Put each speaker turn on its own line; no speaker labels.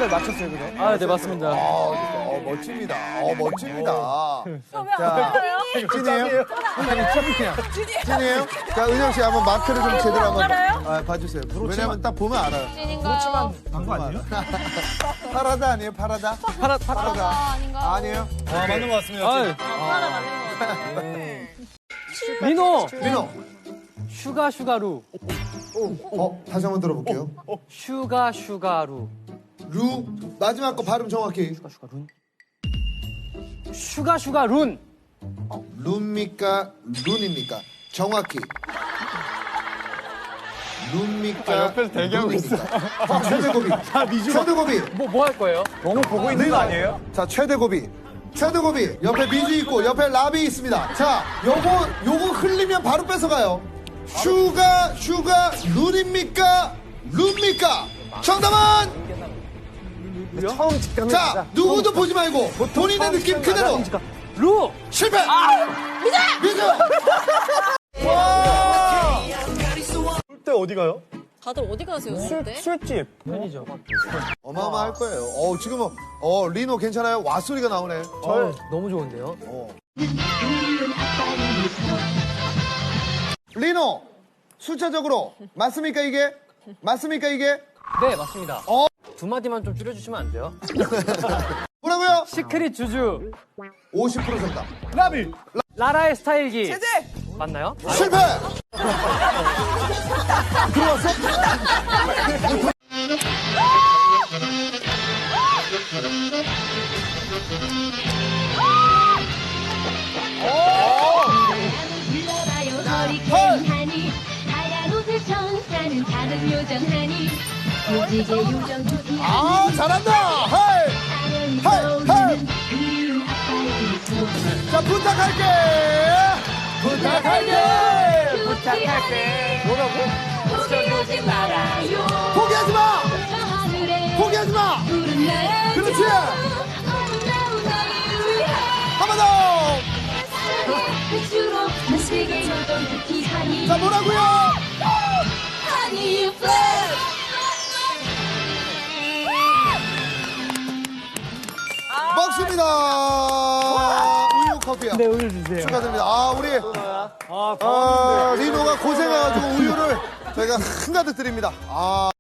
정답까지 맞췄어요, 그죠?
아, 네, 맞습니다.
멋집니다. 멋집니다.
자,
찐이에요? 찐이에요? 자, 은영 씨 한번 마크를 좀 제대로 한번 봐주세요. 왜냐면 딱 보면 알아요.
찐인가요?
단거 아니에요? 파라다 아니에요? 파라다? 파라다.
아닌가?
아니에요?
아, 맞는 것 같습니다.
아,
파라 맞는 거 같아.
민호!
민호.
슈가루.
다시 한번 들어볼게요.
슈가루.
루. 마지막 거 발음 정확히.
룬.
룬입니까? 룬입니까? 정확히. 룬입니까?
옆에서 대기하고
있어. 최대고비. 최대고비.
뭐 할 거예요?
너무 보고 있는 거 아니에요?
자, 최대고비. 최대고비. 옆에 미주 있고, 옆에 라비 있습니다. 자, 요거 흘리면 바로 뺏어가요. 슈가, 룬입니까? 룬입니까? 정답은?
처음 직감이
자, 누구도 보지 말고, 본인의 느낌 그대로.
루!
실패! 미주! 와!
때 어디 가요?
다들 어디 가세요, 술 때?
술집.
편의점.
어마어마할 거예요. 지금 리노 괜찮아요? 왓소리가 나오네.
너무 좋은데요?
리노, 숫자적으로 맞습니까 이게? 맞습니까 이게?
네, 맞습니다. 두 마디만 좀 줄여주시면 안 돼요?
뭐라고요?
시크릿 주주.
50% 정답.
라비.
라라의 스타일기. 제재! 맞나요?
실패! 들어왔어?
불러봐요 허리케인하니 하얀 옷을 청사는 작은 요정하니 요지게 요정 두기
아, 잘한다! 헤이!
떠오르는 그리운 아빠의 미소
자, 부탁할게!
포기하지 말아요
포기하지 마!
저 하늘에
포기하지 마!
푸른 날
그렇지!
아름다운 나를 위해
한 번 더!
주로 전 세계 요정 두기 하니
자, 뭐라고요?
하니 플레이
먹습니다! 우유 커피요.
네, 우유 주세요.
축하드립니다. 우리 리노가 고생해가지고 우유를 저희가 한가득 드립니다.